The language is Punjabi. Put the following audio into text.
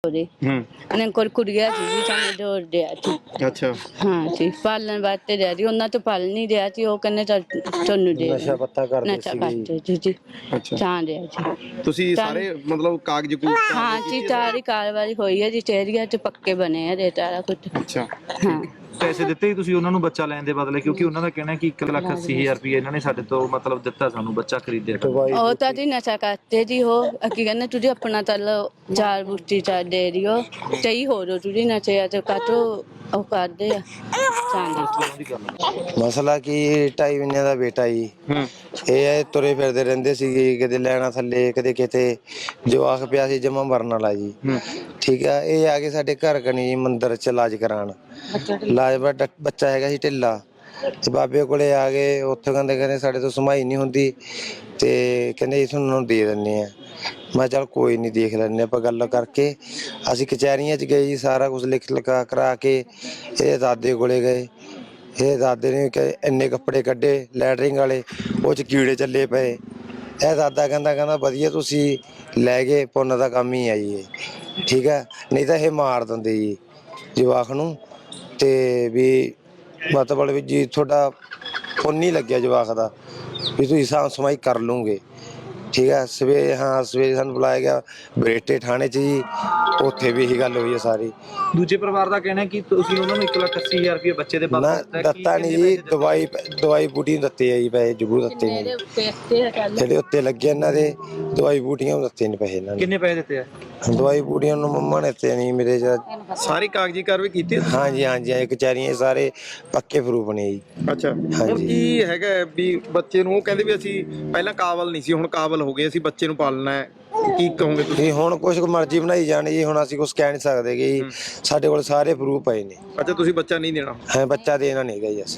ਕੁੜੀ ਉਹਨੇ ਕੋਲ ਕੁੜੀਆ ਸੀ ਜੀ ਸਾਨੂੰ ਜੋੜ ਦਿਆ ਸੀ। ਅੱਛਾ ਹਾਂ ਜੀ ਪਾਲਣ ਵਾਸਤੇ ਦਿਆ ਜੀ ਉਹਨਾਂ ਤੋਂ ਪਾਲ ਨਹੀਂ ਦਿਆ ਸੀ ਉਹ ਕਹਿੰਦੇ ਤੁਹਾਨੂੰ ਦੇ ਨਸ਼ਾ ਪੱਤਾ ਕਰਦੇ ਨਸ਼ਾ ਸੀਗੇ ਕਰਦੇ ਜੀ ਅੱਛਾ ਤਾਂ ਦਿਆ ਜੀ। ਤੁਸੀਂ ਸਾਰੇ ਮਤਲਬ ਕਾਗਜ਼ ਕੂਗਜ਼ ਹਾਂ ਜੀ ਸਾਰੀ ਕਾਰਵਾਈ ਹੋਈ ਹੈ ਜੀ ਚੇਰੀਆ ਚ ਪੱਕੇ ਬਣੇ ਆ ਰੇਟ ਵਾਲਾ ਕੁਝ। ਅੱਛਾ ਹਾਂ ਪੈਸੇ ਦਿੱਤੇ ਹੀ ਤੁਸੀਂ ਉਹਨਾਂ ਨੂੰ ਬੱਚਾ ਲੈਣ ਦੇ ਬਦਲੇ, ਕਿਉਂਕਿ ਉਹਨਾਂ ਦਾ ਕਹਿਣਾ ਕਿ 1,80,000 ਰੁਪਏ ਇਹਨਾਂ ਨੇ ਸਾਡੇ ਤੋਂ ਮਤਲਬ ਦਿੱਤਾ ਸਾਨੂੰ ਬੱਚਾ ਖਰੀਦਿਆ ਕਰਨ। ਦਵਾਈ ਉਹ ਤਾਂ ਜੀ ਨਸ਼ਾ करते जी हो की कहने तुझे अपना तल चार बूटी चार दे रही हो सही हो रो तुझे नशे तो काटो ਉਹ ਕਰਦੇ ਆ ਚਾਂਦੀ। ਮਸਲਾ ਕੀ 2.5 ਮਹੀਨੇ ਦਾ ਬੇਟਾ ਜੀ ਇਹ ਤੁਰੇ ਫਿਰਦੇ ਰਹਿੰਦੇ ਸੀਗੇ ਕਦੇ ਲੈਣਾ ਥੱਲੇ ਕਦੇ ਕਿਤੇ ਜਵਾਕ ਪਿਆ ਸੀ ਜਮਾ ਮਰਨ ਵਾਲਾ ਜੀ। ਠੀਕ ਆ ਇਹ ਆ ਕੇ ਸਾਡੇ ਘਰ ਕਨੀ ਜੀ ਮੰਦਿਰ ਚ ਇਲਾਜ ਕਰਾਉਣ ਇਲਾਜ ਬੱਚਾ ਹੈਗਾ ਸੀ ਢਿੱਲਾ ਤੇ ਬਾਬੇ ਕੋਲੇ ਆ ਗਏ ਉੱਥੇ ਕਹਿੰਦੇ ਸਾਡੇ ਤੋਂ ਸਮਾਈ ਨਹੀਂ ਹੁੰਦੀ ਤੇ ਕਹਿੰਦੇ ਤੁਹਾਨੂੰ ਦੇ ਦਿੰਦੇ ਆ। ਮੈਂ ਚੱਲ ਕੋਈ ਨਹੀਂ ਦੇਖ ਲੈਂਦੇ ਆਪਾਂ ਗੱਲ ਕਰਕੇ ਅਸੀਂ ਕਚਹਿਰੀਆਂ 'ਚ ਗਏ ਜੀ ਸਾਰਾ ਕੁਝ ਲਿਖ ਲਿਖਾ ਕਰਾ ਕੇ ਇਹਦੇ ਦਾਦੇ ਕੋਲੇ ਗਏ। ਇਹ ਦਾਦੇ ਨੇ ਇੰਨੇ ਕੱਪੜੇ ਕੱਢੇ ਲੈਟਰਿੰਗ ਵਾਲੇ ਉਹ 'ਚ ਕੀੜੇ ਚੱਲੇ ਪਏ। ਇਹ ਦਾਦਾ ਕਹਿੰਦਾ ਵਧੀਆ ਤੁਸੀਂ ਲੈ ਗਏ ਪੁੰਨ ਦਾ ਕੰਮ ਹੀ ਆ ਜੀ ਇਹ ਠੀਕ ਹੈ ਨਹੀਂ ਤਾਂ ਇਹ ਮਾਰ ਦਿੰਦੇ ਜੀ ਜਵਾਕ ਨੂੰ ਤੇ ਵੀ ਮਤਲਬ ਵੀ ਜੀ ਤੁਹਾਡਾ ਪੁੰਨ ਨਹੀਂ ਲੱਗਿਆ ਜਵਾਕ ਦਾ ਵੀ ਤੁਸੀਂ ਸਾਂਭ ਸਮਾਈ ਕਰ ਲੂੰਗੇ। ਠੀਕ ਹੈ ਸਵੇਰੇ ਸਾਨੂੰ ਬੁਲਾਇਆ ਗਿਆ ਬਰੇਟੇ ਥਾਣੇ 'ਚ ਜੀ ਉੱਥੇ ਵੀ ਇਹੀ ਗੱਲ ਹੋਈ ਹੈ ਸਾਰੀ। ਦੂਜੇ ਪਰਿਵਾਰ ਦਾ ਕਹਿਣਾ ਕਿ ਤੁਸੀਂ ਉਹਨਾਂ ਨੂੰ 1,80,000 ਰੁਪਏ ਬੱਚੇ ਦੇ ਨਾ ਬਦਲੇ ਦਿੱਤਾ ਨਹੀਂ ਜੀ ਦਵਾਈ ਬੂਟੀ ਨੂੰ ਦਿੱਤੇ ਆ ਜੀ ਪੈਸੇ ਜ਼ਰੂਰ ਦਿੱਤੇ ਨੇ ਜਿਹੜੇ ਉੱਤੇ ਲੱਗੇ ਇਹਨਾਂ ਦੇ ਦਵਾਈ ਬੂਟੀਆਂ ਨੂੰ ਦਿੱਤੇ ਨੇ ਪੈਸੇ ਇਹਨਾਂ ਨੇ। ਕਿੰਨੇ ਪੈਸੇ ਦਿੱਤੇ ਆ? ਦਵਾਈ ਬੂਟੀਆਂ ਨੂੰ ਮੰਮਾ ਨੇ ਦਿੱਤੇ ਨਹੀਂ ਮੇਰੇ ਸਾਰੀ ਕਾਗਜ਼ੀ ਕਾਰਵਾਈ ਕੀਤੀ ਹੈ? ਹਾਂਜੀ ਕਚਹਿਰੀਆਂ ਸਾਰੇ ਪੱਕੇ ਪ੍ਰੂਫ ਨੇ ਜੀ। ਅੱਛਾ ਹੁਣ ਕੀ ਹੈਗਾ ਵੀ ਬੱਚੇ ਨੂੰ ਉਹ ਕਹਿੰਦੇ ਵੀ ਅਸੀਂ ਪਹਿਲਾਂ ਕਾਬਲ ਨਹੀਂ ਸੀ ਹੁਣ ਕਾਬਲ ਹੋ ਗਏ ਅਸੀਂ ਬੱਚੇ ਨੂੰ ਪਾਲਣਾ ਹੈ ਕੀ ਕਹੋਗੇ ਤੁਸੀਂ? ਹੁਣ ਕੁਛ ਮਰਜ਼ੀ ਬਣਾਈ ਜਾਣੀ ਜੀ ਹੁਣ ਅਸੀਂ ਕੁਛ ਕਹਿ ਨਹੀਂ ਸਕਦੇ ਜੀ ਸਾਡੇ ਕੋਲ ਸਾਰੇ ਪ੍ਰੂਫ ਪਏ ਨੇ। ਅੱਛਾ ਤੁਸੀਂ ਬੱਚਾ ਨਹੀਂ ਦੇਣਾ? ਬੱਚਾ ਦੇਣਾ ਨਹੀਂ ਹੈਗਾ ਜੀ ਅਸੀਂ।